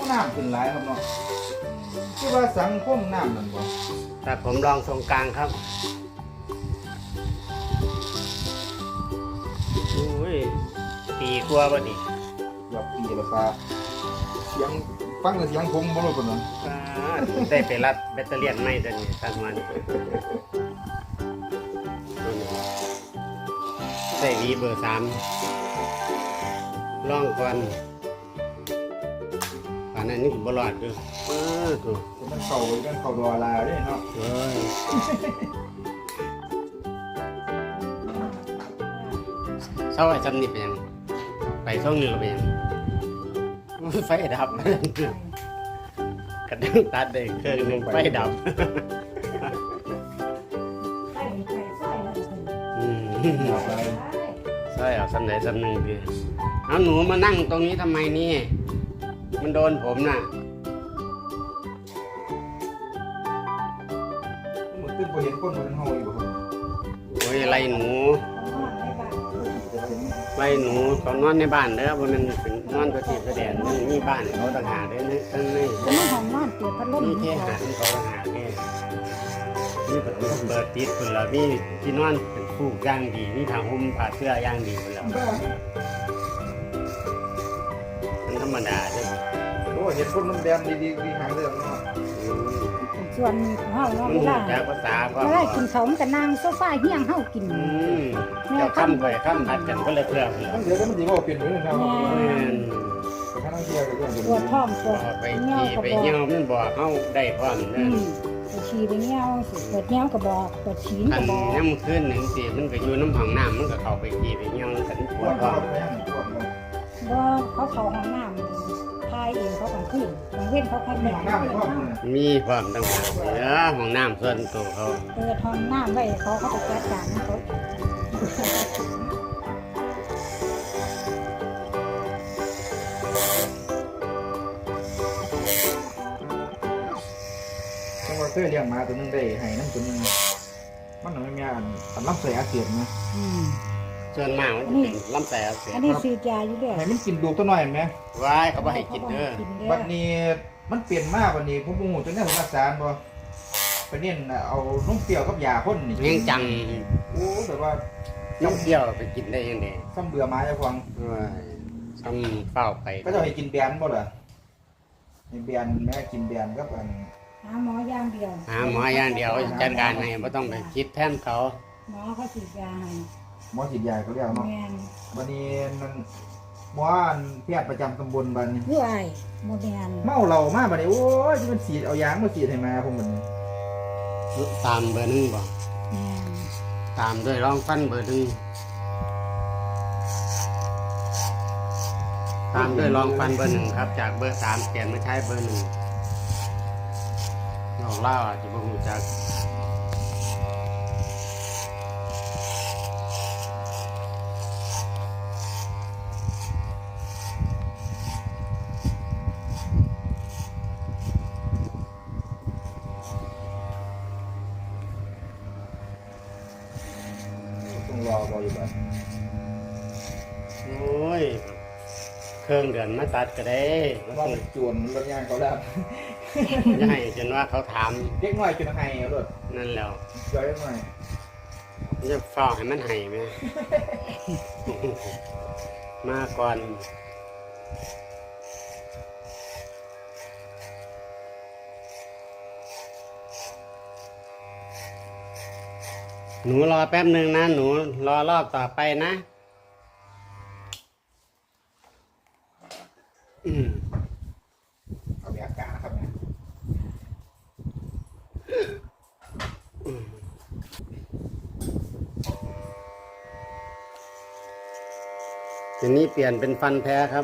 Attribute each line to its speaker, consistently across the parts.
Speaker 1: น้ำขึ้นหลายครับเนาะที่ว่าสังคมน้ำนั่นบ่
Speaker 2: แต่ผมลองทรงกลางครับอุ้ยปีกว่าบ่ดิ
Speaker 1: เกือบปีแล้วปลาเสียงฟังแต่เสียงผมบ่รู้ปานนั้น
Speaker 2: ได้ไปรัดแบตเตอรี่ใหม่ตัวนี้ตั้งมันใส่วีเบอร์3ลองก่อนป่านนั้นนี่บ่รอดอยู่ถูก
Speaker 1: มันเข้าดอลาเด้เนาะ
Speaker 2: เฮ้ยเศร้าไอ้จำนี่เป็นยังไปช่องนึงเป็นยังไฟดับกระดังตัดเด็กเครื่องนึงไฟดับ
Speaker 1: เอาไป
Speaker 2: ใช่เอาสำไหนสำหนึ่งดีเอาหนูมานั่งตรงนี้ทำไมนี่มันโดนผมน่ะ
Speaker 1: มันขึ้นบ่เห็นคนบ่เห็นเฮาอยู่บ่ครับ
Speaker 2: โอ้ยไล่หนูเขานอนในบ้านเด้อบ่แมันเป็นนอนตัวที่แสดงมันมีบ้านเขาต่างหากเด้อนี่ทั้งนี้
Speaker 3: จะไม่ห้องนอนเปิดพัดลม
Speaker 2: นี่แค่หาที่เขาต่างหากนี่นี่ประตูเปิดติดคนละมีที่นอนเป็นฟูกย่างดีมีผ้าห่มผ้าเสื้อย่างดีคนละมันธรรมดาใช่ไหม
Speaker 1: โอ้เห็นคนมันแดงดีหางเรื่องเนาะ
Speaker 3: ส่วนเฮาเนาะ
Speaker 2: มัน
Speaker 3: เว
Speaker 2: รู้
Speaker 3: ลา
Speaker 2: จักภาษาก็
Speaker 3: เวลากินเขาวมันก็นั่งโซฟาเฮียงเฮากิน
Speaker 2: เจ้าค้ำไปค้ำพัดกันก็เลยเพื่อน
Speaker 1: มันเดี๋ยวมันสิบ่เป็นอยู่นะครับ แต่ถ้านักเที่ยวก็เรื่อง
Speaker 3: ปวดท้องปวด
Speaker 2: ไป
Speaker 3: เงี้ยว
Speaker 2: ขี่
Speaker 3: ก็
Speaker 2: ไป
Speaker 3: บอก
Speaker 2: เยี่ยมมันบอกเขาได้พร้อม
Speaker 3: อื
Speaker 2: นะ
Speaker 3: มไปฉี่ไปเงี้ยวสิปวดเงี้ยวก็บอกปวดฉี่
Speaker 2: อั
Speaker 3: ก็
Speaker 2: น
Speaker 3: บอก
Speaker 2: น้ำขึ้นหนึ่งสิมันก็อยู่น้ำผังน้ำมันก็เข้าไปขี่ไปเยี่ยมกันป
Speaker 1: ป
Speaker 2: ว
Speaker 1: ว
Speaker 2: ด
Speaker 1: ด
Speaker 2: พร้อม
Speaker 1: ไปยังปวดเลย
Speaker 3: บ่เขาเข้าห้องน้ำทายเองเขากลางคืนกลางเว้นเขาคัด
Speaker 1: มี
Speaker 3: แม่
Speaker 1: ของน้ำพ่อคุณ
Speaker 2: มีพร้อมตั้งแต่ห้องน้ำส่วนตัวเขา
Speaker 3: เปิดห้องน้ำไว้เขาไปจัดการของเขา
Speaker 1: จังว่าเคยเลี้ยงหมาตัวนึงได้ให้น้ำตัวนึงมันไม่มีอันลำไส้อักเสบนะ
Speaker 3: อืม
Speaker 2: ส่วนมากมันจะเป็นลำไส้อักเส
Speaker 3: อั
Speaker 2: บ
Speaker 3: นนี้ซื้อยาอยู่ด้วย
Speaker 1: ให้มันกินดูตัวหน่อยไหม
Speaker 2: ไว้เขาไม่ให้กินเด้อ
Speaker 1: บัดนี้มันเปลี่ยนมากบัดนี้ผมโมโหจนได้ผมรักษาบ่ไปเน้นเอาน้ำเปรี้ยวกับยาพ่นนี่
Speaker 2: เลี้ยงจัง
Speaker 1: โอ้แบบว่า
Speaker 2: น้ำเที่ยวไปกินได้ยังไง
Speaker 1: ซ้ำเบื่อหมาจะฟัง
Speaker 2: ซ้ำเฝ้าไป
Speaker 1: ก็จะให้กินแบนบ่ล่ะให้แบนแม่กินแบนกับอัน
Speaker 3: หาหมอย่างเดียว
Speaker 2: หาหมออย่างเดียวจัดการให้ไม่ต้องไปคิดแทนเขา
Speaker 3: หมอเขาฉีดยาให้
Speaker 1: หมอฉีดยาเขาเรียกเนาะ
Speaker 3: แม่น
Speaker 1: บัดนี้มันหมออันแพทย์ประจำตำบลบัดนี้
Speaker 3: คือไอ้โมเดล
Speaker 1: เมาเหล้ามาบัดนี้โอ้ยที่มันฉีดเอายางมาฉีดให้มาผมมัน
Speaker 2: ตามเบอร์หนึ่งบ่
Speaker 3: แม่น
Speaker 2: ตามด้วยร่องฟันเบอร์หนึ่งตามด้วยรองฟันเบอร์หนึ่งครับ จากเบอร์3เปลี่ยนมาใช้เบอร์หนึ่งเราเล่าอาจจะบ่รู้จัก
Speaker 1: ต้องรออยู่บัด
Speaker 2: โอ้ยเครื่องเดือนมาตัดก็ได้
Speaker 1: ว่ามันจวนรถยางเขาแล้ว
Speaker 2: จะให้จนว่าเขาถาม
Speaker 1: เด็กน้อยจนให้เอารถ
Speaker 2: นั่นแล้ว
Speaker 1: ย้อยหน่อย
Speaker 2: จะเฝ้าให้มันให้ไหม มาก่อนหนูรอแป๊บหนึ่งนะ หนูรอรอบต่อไปนะอืม
Speaker 1: เอาไปอากาศนะครับเนี่ย
Speaker 2: ทีนี้เปลี่ยนเป็นฟันแท้ครับ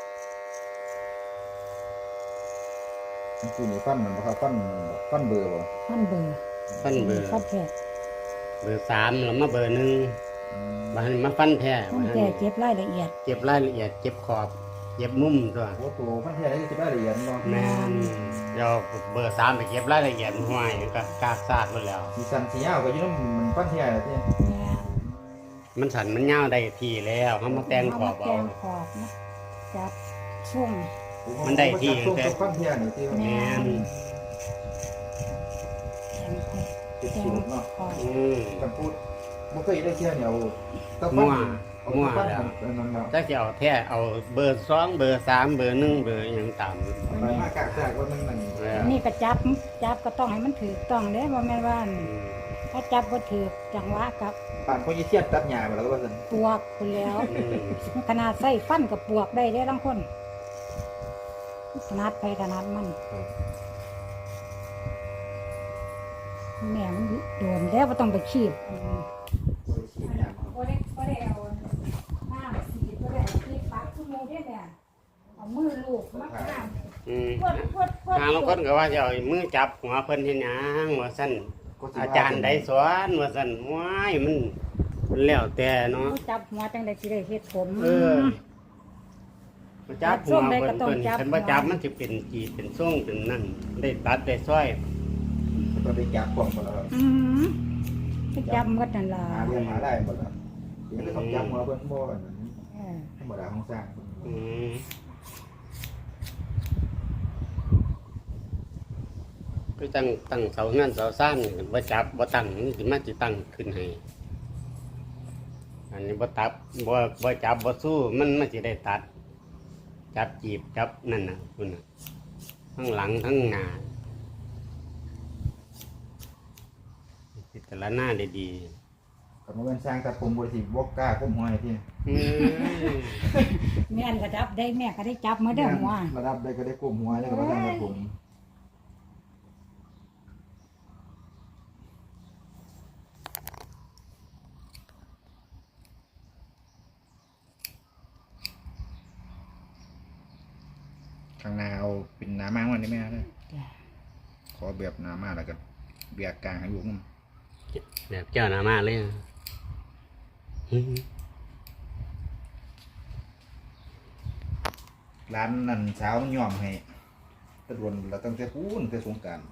Speaker 1: คือนี่ฟันมันบ่ครับฟันเบอร์บ่
Speaker 3: ท่านเบอร์
Speaker 2: ฟันเบอร์
Speaker 3: ท่านแท้
Speaker 2: เบอร์3แล้วมาเบอร์1บางมาฟันแท้
Speaker 3: ท่านแท้เก็บรายละเอียด
Speaker 2: เก็บรายละเอียดเก็บขอบเก็บมุมตัว
Speaker 1: โอ้ตัวฟันแท้นี่จะได้ละเอียดบ่
Speaker 2: แม่นเดี๋ยวเบอร์3ไปเก็บรายละเอียดห้วยก็กากซากหมดแล้ว
Speaker 1: สีสันสียาวก็อยู่นำมันฟันแท้ที่
Speaker 3: แม่น
Speaker 2: มันสันมันยาวได้ทีแล้วเขามาแต่งขอบ
Speaker 3: แต่
Speaker 2: เอา
Speaker 3: งขอบนะจับช่วง
Speaker 2: มันได้ที่
Speaker 1: ช่วง
Speaker 2: แต่
Speaker 1: ตกฟังเที่ยนี่ที่ว่า
Speaker 2: แม่น
Speaker 1: ติดสูตรเนาะ
Speaker 2: อืม
Speaker 1: กันพูดบ่เคยได้เที่ยนี่เอาตะ
Speaker 2: มั่
Speaker 1: ฟัง
Speaker 2: ว
Speaker 1: เอา
Speaker 2: มั่ว
Speaker 1: ตะฟัง
Speaker 2: แล้ว
Speaker 1: นั่นเนาะ
Speaker 2: ถ้าจะเอาแท้เอาเบอร์2เบอร์3เบอร์1เบอร์หยังตาม
Speaker 1: ไปมากากๆว่ามันนั่น
Speaker 2: เออ
Speaker 3: นี่ก็จับก็ต้องให้มันถูกต้องเด้บ่แม่นว่า
Speaker 2: อืม
Speaker 3: ถ้าจับบ่ถูกจังหวะกับ
Speaker 1: ป่านพอยี่เทียนตัดหญ้าไปแล้วก็ว่าซั่น
Speaker 3: ปวกพุ่นแล้ว
Speaker 2: อืม
Speaker 3: ขนาดใส่ฟันกับปวกได้เด้บางคนถนัดไปถนัดมันแม่มันโดนแล้วบ่ต้องไปคีบ
Speaker 1: บ่ได้ฉีดหญ้ามา
Speaker 3: บ่ได้เอาน้ำสีดบ่ได้คีบปักคือหมู่เด้แม่เอามือลูบมักน้ำ
Speaker 2: อืม
Speaker 3: พวด
Speaker 2: บางคนก็ว่าจะเอามือจับหัวเพิ่นเฮ็ดหยังว่าซั่น
Speaker 1: ก็สิ
Speaker 2: อาจารย์ได้สอนว่าซั่นว้ายมันแล้วแต่เนาะ
Speaker 3: จับหัวจังได๋สิได้เฮ็ดผม
Speaker 2: เออบ่จับหัวเพิ่น
Speaker 3: ก็ต้อง
Speaker 2: เพิ่น
Speaker 3: จับ
Speaker 2: คันบ่จับมันสิเป็นจีเป็นทรงเป็นนั่นได้ตัดได้ซอย
Speaker 1: ก็ได้จับของบ่แล้ว
Speaker 3: อืมไปจับหมดนั่นล่ะ
Speaker 1: หาเรื่องหาได้บ่แล้วเดี๋ยวก็ต้องจับหัวเพิ่นบ่อันนั้น
Speaker 3: เออ
Speaker 1: ธรรมดาของสร้าง
Speaker 2: อืมก็ตั้งเสาเงินเสาซ่านนี่บ่จับบ่ตั้งนี่สิมาสิตั้งขึ้นให้อันนี้บ่ตับบ่จับบ่สู้มันสิได้ตัด จับจีบจับนั่นน่ะคุณน่ะทั้งหลังทั้งหน้าพิจารณาได้ดี
Speaker 1: ก็บ่แม่นสร้างตัดผมบ่สิบ่กล้าก้มหัวให้ที่
Speaker 2: อืม
Speaker 3: แม่นก็จับได้แม่ก็ได้จับมาเด้อหัว
Speaker 1: ระดับได้ก็ได้ก้มหัวแล้วก็บ่ทันได้ผม ข้างหน้าเอาเป็นหน้ามากมันได้ไหมครับ
Speaker 3: จ้ะ
Speaker 1: ขอแบบหน้ามากแล้วก็เบียกกลางให้อยู่น
Speaker 2: แบบเจ้าหน้ามาเลยนะอืม
Speaker 1: ำร้านนั่นเช้ามันยอมให้ตะดวนเราตั้งแต่พูนแต่สงกราร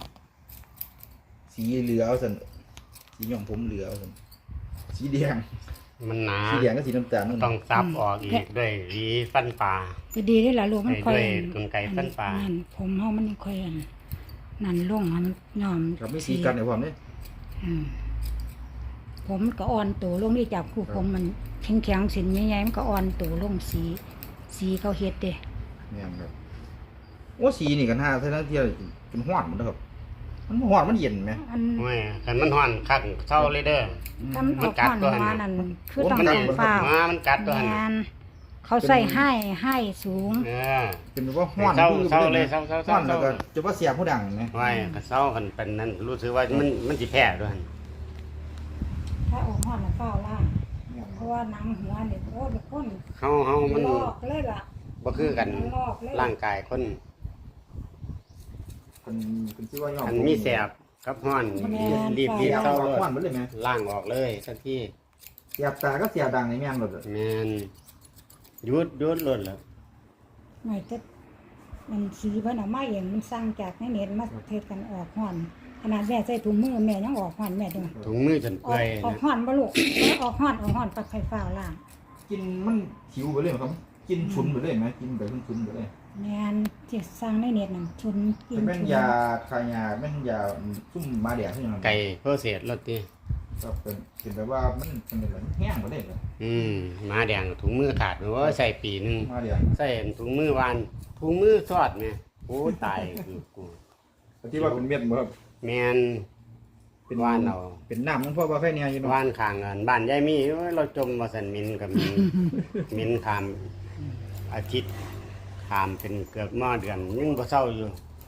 Speaker 1: สีเหลืองเอาสันสียอมผมเหลืองเอาสันสีแดง
Speaker 2: มันหนา
Speaker 1: สีแดงก็สีน้ำตาลนั่น
Speaker 2: ต้องซับออกอีกด้วยหวีฟันปลา
Speaker 3: ก็ดีได้อล่ะลูกมันค่อย
Speaker 2: ด้วยกลไกฟันปลา
Speaker 3: นั่นผมเฮามันค่อยนั่นลงให้มันยอม
Speaker 1: ครับไม่สีกันในความนี้
Speaker 3: อืมผมมันก็อ่อนตัวลงนี่จากคู่ผมมันแข็งๆสินใหญ่ๆมันก็อ่อนตัวลงสีเขาเฮ็ดเด้
Speaker 1: เนี่ยครับโอ้สีนี่กันห้าเท่านั้นเที่ยวเป็นห้อนหมดแล้วครับมันห้อนมันเย็นไหม
Speaker 3: อัน
Speaker 2: โอ้ยคันมันฮ้อนคักเศร้าเลยเด้อ
Speaker 3: ทำออกก่อนหัวนั่นคือต้องการฟ้าว
Speaker 2: มามันกัดตัวหั่น
Speaker 3: แม่นเขาใส่ให้สูง
Speaker 2: เออ
Speaker 1: เป็นแบบว่าห้อน
Speaker 2: เศร้า
Speaker 1: คือ
Speaker 2: เศร้าเลยเศร้า
Speaker 1: ห้อนแล้วก็จะว่าเสียผู้ดังไหม
Speaker 2: ไว้ก็เศร้ากันเป็นนั่นรู้สึกว่ามันสิแพ้ด้วยหั่น
Speaker 3: ถ้าออกห้อนน่ะฟ้าวล่างเพราะว่าหนังหัวเนี่ยโอ้ยคน
Speaker 2: เฮามัน
Speaker 3: ลอกเลยล่ะ
Speaker 2: บ่คือกัน
Speaker 3: ลอกเลย
Speaker 2: ร่างกายคน
Speaker 1: เป็นชื่อว่ายอม
Speaker 2: อันมีแสบกับฮ้อนรีบ
Speaker 1: เสีย
Speaker 2: เศร้า
Speaker 1: ห้
Speaker 2: เลย
Speaker 1: อนหมดเลยไหม
Speaker 2: ล่างออกเลยทันที
Speaker 1: เสียบตาก็เสียบดังในแม่งหมดเลย
Speaker 2: แม่นหยุดลดแล้ว
Speaker 3: หน่อยจะมันสีเพิ่นเอามาเองมันสั่งจากในเน็ตมาเทศกันออกห้อนขนาดแม่ใส่ถุงมือแม่ยังออกห้อนแม่เด้อ
Speaker 2: ถุงมือจน
Speaker 3: อ
Speaker 2: เปื่อย
Speaker 3: อกห้อนบ่ลูกออกห้อนปัดไฟฟ้าล่าง
Speaker 1: กินมันหิวไปเลยครับกินฉุนไปเลยไหมกินแบบฉุนไปเลย
Speaker 3: แม่นที่สั่งในเน็ตนั่นชุนกิน
Speaker 1: แม่นยาคายาแม่นยาซุ่มมาเดียใช่ไหม
Speaker 2: ไก่โปรเซสรสติ
Speaker 1: ก็เป็นแบบว่ามันเป็นแบบแห้งไปเลยครับ
Speaker 2: หมาแดงถุงมือขาดหรือว่าใส่ปีหนึง
Speaker 1: มาเดีย
Speaker 2: ใส่ถุงมือวานถุงมือทอดแม่โอ้ตายคือกู
Speaker 1: ที่ว่าเป็นเม็ดบ่ครับ
Speaker 2: แม่นเป็นวานเอา
Speaker 1: เป็นน้ำมันพ่อว่าแค่นี้อยู่เนาะ
Speaker 2: วานข้างอันบ้านยายมีโอ้ยเราจมว่าสันมินกับมิน มินขามอาทิตย์ขามเป็นเกือบมอเดือนยังบ่เศร้าอยู่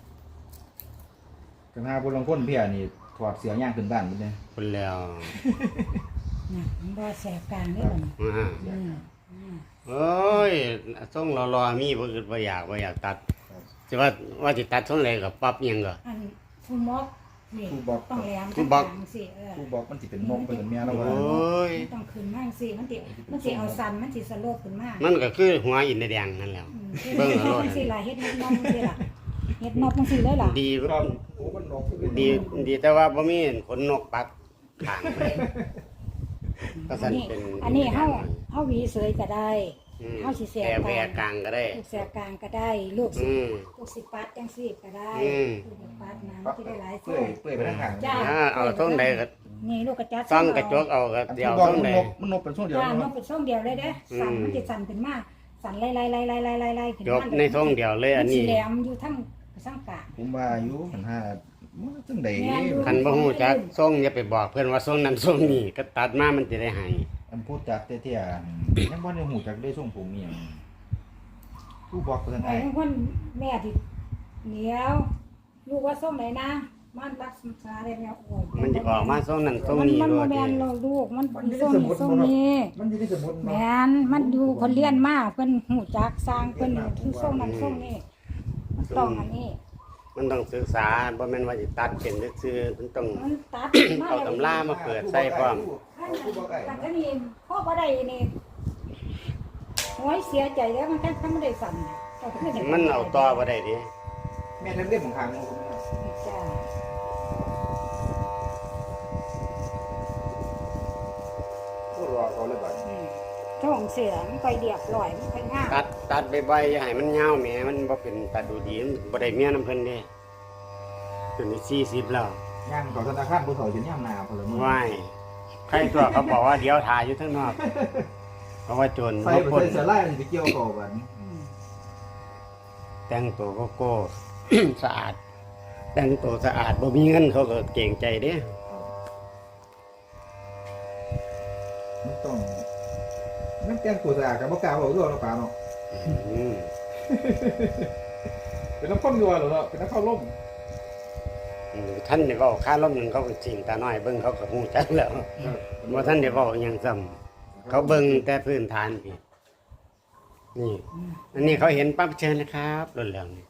Speaker 1: กันหาพลังคนเพียนี่ถอดเสียย่างขึ้นบ้านไปเลย
Speaker 2: คนแล้ว
Speaker 3: น่ะมันบ่แสบกลางเด้อบัดนี้
Speaker 2: อ่า
Speaker 3: อืม
Speaker 2: โอ้ยส่งรอๆมีบ่อึดบ่อยากตัดสิว่าสิตัดส่งเลยก็ปรับอิหยังก็
Speaker 3: อันผู้มอกนี่ต้องแหลม
Speaker 2: ผู้บอก
Speaker 3: ทางสิเออ
Speaker 1: กูบอกมันสิเป็นนกเป็นเมีย
Speaker 2: โอ
Speaker 1: แล้วว่า
Speaker 2: ้ย
Speaker 3: มันต้องขึ้นมาจังซี่มันสิเอาสั่นมันสิสโลปขึ้นมา
Speaker 2: มันก็คือหัวอินเดียแดงนั่นแหล้ว เบิ่งเอาโลด
Speaker 3: จังซี่ล่ะเฮ็ดนกจังซี่ล่ะเฮ็ดนกจังซี่เลยล่ะ
Speaker 2: ดี
Speaker 1: ครับโอ้มันนก
Speaker 2: ดีแต่ว่าบ่มีขนนกปักข้างไปก็สั่นเป็น
Speaker 3: อันนี้เฮาหวีเสยก็ได้
Speaker 2: อ
Speaker 3: เขาสิแส
Speaker 2: แต่
Speaker 3: ก
Speaker 2: แพรกลางก็ได้
Speaker 3: ลูกแสกกลางก็ได้ลูกสิ
Speaker 2: อืม
Speaker 3: ลูกสิปัดจังซี่ก็ได้
Speaker 2: อืม
Speaker 3: ลูกสิปัดนะ
Speaker 1: ปั๊บ
Speaker 3: ที่ได้หลาย
Speaker 1: เปื่อยเปื่อยไปทางข้าง
Speaker 3: จ้า
Speaker 2: เอาช่วงใดก็
Speaker 3: นี่ลูกกระจัด
Speaker 2: ต้องกระจกเอาก็
Speaker 1: อัน
Speaker 2: เดี๋
Speaker 1: ที่
Speaker 2: ยว
Speaker 1: บอก
Speaker 2: ช่วง
Speaker 1: มัน
Speaker 2: ใด
Speaker 1: นกมันนกเป็นช่วงเดียว
Speaker 3: จ้า
Speaker 1: นะ
Speaker 3: มันเป็นช่วงเดียวเลยเด้สั่นมันจะสั่นขึ้นมาสั่นไล่ๆๆๆๆๆขึ้น
Speaker 2: จ
Speaker 3: มา
Speaker 2: บในช่วงเดียวเลยอัน
Speaker 3: มัสิ
Speaker 2: นี้
Speaker 3: แหลมอยู่ทั้งกลาง
Speaker 1: ผมว่าอยู่หันหามันจังได๋
Speaker 3: แม่นอยู่
Speaker 2: คันบ่ฮู้จักช่วงอย่าไปบอกเพิ่นว่าช่วงนั้นช่วงนี้ก็ตัดมามันจะได้หาย
Speaker 1: อันพูดจักเตี้ยๆยังบ่ได้ฮู้จักได้ทรงผมอีหยังผู้บอกเพิ่น
Speaker 3: ไอ้
Speaker 1: ไอ้
Speaker 3: คนแม่ที่เหนียวลูกว่าส่งไหนนะมันรักษาได้แล้วโอ้ย
Speaker 2: มันจะออกมาช่วงนั้นช่วงนี้
Speaker 3: มัน
Speaker 2: ด้ว
Speaker 3: บ่
Speaker 2: ย
Speaker 3: แม่นเราลูกมันส่งนี้ส่งนี้
Speaker 1: มันอยู่ในสมุด
Speaker 3: แม่นมันอยู่คนเรียนมาเพิ่นหูจักสร้างเพิ่นคือส่งนั้นส่งนี้มันต้องอันนี้
Speaker 2: มันต้องศึกษาบ่แม่นว่าสิตัดเป็นซื่อๆมันต้อง
Speaker 3: มันตัดมา
Speaker 2: เอาตำรามาเปิดใส่พร้อม
Speaker 3: แต่ก็นี่พ่อบ่ได้นี่โอ้ยเสียใจแล้วมันแค่ไม่ได้สั่นแต่ก็ได้
Speaker 2: มันเอาต่อบ่ได้ดิ
Speaker 1: แม่ทำเล่มของทาง
Speaker 3: จ้า
Speaker 1: ผู้รอเขาเลยบัด
Speaker 3: ช่องเสือมันค่อยเรียบร้อยมันค่อยงาม
Speaker 2: ตัดบ่อยๆอย่าให้มันยาวแหมมันบ่เป็นตัดดูดีมันบ่ได้เมียนํเพิ่นเด้จนนี่40แล้ว
Speaker 1: ย่างเขาธนาคารผู้เขาสิย่ำนาพลเมือง
Speaker 2: ว้ายใครตัวเขาบอกว่าเดี๋ยวถ่ายอยู่ข้างนอกเพราะว่าโจร
Speaker 1: ใส่
Speaker 2: เขา
Speaker 1: ไป
Speaker 2: ปล้น
Speaker 1: ใส่เสื้อลายสิไปเกี่ยวเขาบัด
Speaker 2: แต่งตัวโก้ สะอาด แต่งตัวสะอาดบ่มีเงินเขาก็เก่งใจเด้
Speaker 1: มันต้องมันแต่งตัวสะอาดกับบ่กล้าบอกด้วยเนาะป่าเนาะ
Speaker 2: อืม
Speaker 1: เป็นน้ำข้นยัวเหรอเนาะเป็นน้ำข้าวล่ม
Speaker 2: ท่านได้เว้าค่าล้มหนึงเขาก็จริงตาน้อยเบิ่งเขาก็ฮู้จักแล้วบ่ท่านได้เว้าหยังซ้ำเขาเบิ่งแต่พื้นฐานพี่นี่ อันนี้เขาเห็นปั๊บเชิญนะครับรถเหลืองนี่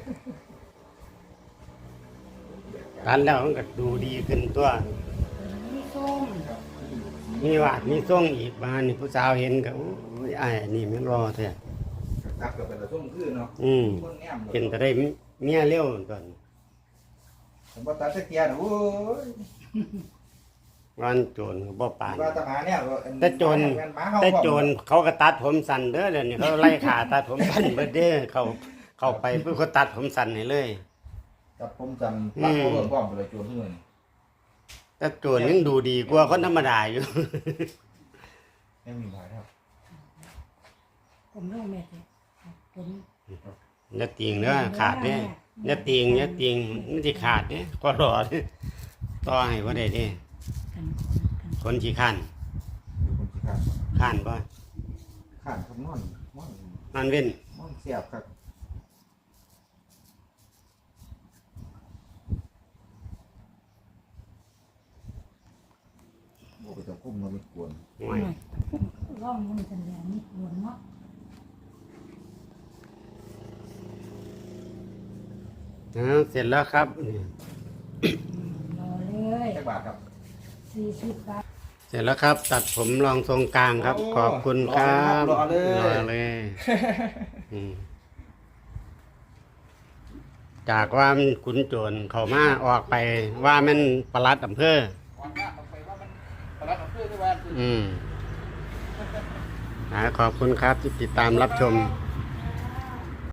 Speaker 2: ตัดแล้วมันก็ดูดีขึ้นตัว
Speaker 3: มีส้ม
Speaker 2: มีวาดมีส่งอีกบ้านนี่ผู้สาวเห็นก็โอ้ยอ้ายอันนี่มันรอแท้
Speaker 1: ตักกับเป็นตะส้มคือเนาะ
Speaker 2: อืม
Speaker 1: คนแนม
Speaker 2: เป็นแต่ได้เมียเร็วตอน
Speaker 1: ผมว่าตัดตะเกียร์นะโอ้ย
Speaker 2: วันโจรก็บ่ปาน
Speaker 1: ว่าตะหาเนี่ย
Speaker 2: แต่โจรเขาก็ตัดผมสั้นเด้อเดี๋ยวนี้เขาไล่ขาตัดผมสั้นเบิดเด้อเขาไปเพื่อเขาตัดผมสั้นให้เลย
Speaker 1: กับผมจำตัดเขาเบิ่งพร้อมไปเลยโจรเพื่อน
Speaker 2: แต่โจรยังดูดีกว่าคนธรรมดาอยู่
Speaker 1: ไม่มีหมายครับ
Speaker 3: ผมเล่าแม่เลยผม
Speaker 2: อย่าติงเด้อขาดเด้ออย่าติงมันสิขาดเด้อก็รอเด้อต่อให้บ่ได้เด้อ
Speaker 3: กัน
Speaker 2: คนขี้ข้าน
Speaker 1: คนที่ข้าน
Speaker 2: ข้านบ่
Speaker 1: ข้านครับนอน
Speaker 2: นอนเว้น
Speaker 1: เสียบครับโอ้ไปจับกุ้มมันไม่กวน
Speaker 2: ห่วย
Speaker 3: ร่องมันกันแล้วนี่หลวงเนาะ
Speaker 2: เสร็จแล้วครับนี่
Speaker 3: รอเลย
Speaker 1: แค่บาทครับ
Speaker 3: 40 บาท
Speaker 2: เสร็จแล้วครับ ตัดผมรองทรงกลางครับ
Speaker 1: โอ้
Speaker 2: ขอบคุณครับ
Speaker 1: รอเลย
Speaker 2: รอเลยอืมจากว่ามันขุนโจรเข้ามาออกไปว่ามันปลัดอำเภอ
Speaker 1: ก่อนหน้าต่อไปว่ามันตลาดอำเภอที่ว่า
Speaker 2: ขอบคุณครับที่ติดตามรับชม